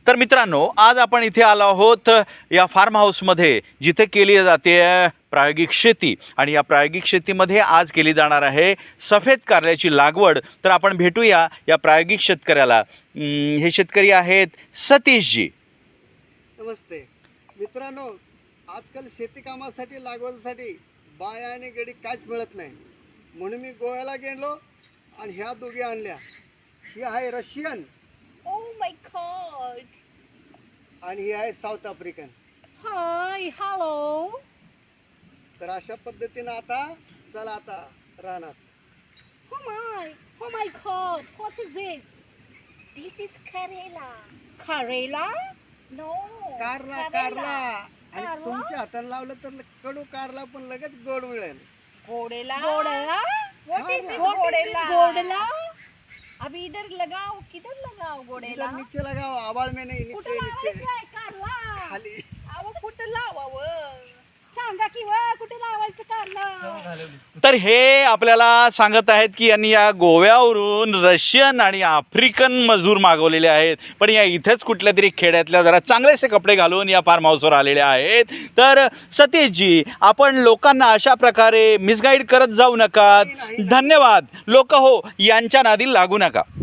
तर मित्रांनो, आज आपण इथे आलो आहोत या फार्म हाऊसमध्ये, जिथे केली जाते प्रायोगिक शेती. आणि या प्रायोगिक शेतीमध्ये आज केली जाणार आहे सफेद कारल्याची लागवड. तर आपण भेटूया या प्रायोगिक शेतकऱ्याला. हे शेतकरी आहेत सतीशजी. नमस्ते मित्रांनो, आजकाल शेती कामासाठी लागवडीसाठी बाया आणि गडी काहीच मिळत नाही, म्हणून मी गोव्याला गेलो आणि ह्या दोघी आणल्या. ही आहे रशियन Oh my god. आणि ही आहे साऊथ आफ्रिकन. Hi, hello. तर अशा पद्धतीनं आता चला आता राहणार. Oh my god, what is this? This is Karela. Karela? No. Karla Karela. कारला आणि कारला? तुमच्या हाताला लावलं तर कडू कारला पण लगेच गोड मिळेल. Godela? Godela? What is this What Godela? Godela? अभी इधर लगाओ, किधर लगाओ गोडेला? इधर नीचे लगाओ, आवाज में नहीं, कुठं नीचे नीचे लावायचं आहे कारला? खाली. अहो कुठं लावावं? सांगा की कुठे लावायचं कारला? तर हे आपल्याला सांगत आहेत की यांनी या गोव्यावरून रशियन आणि आफ्रिकन मजूर मागवलेले आहेत, पण या इथेच कुठल्या तरी खेड्यातल्या जरा चांगलेसे कपडे घालून या फार्म हाऊसवर आलेले आहेत. तर सतीशजी, आपण लोकांना अशा प्रकारे मिसगाईड करत जाऊ नका. धन्यवाद. लोक हो यांच्या नादी लागू नका.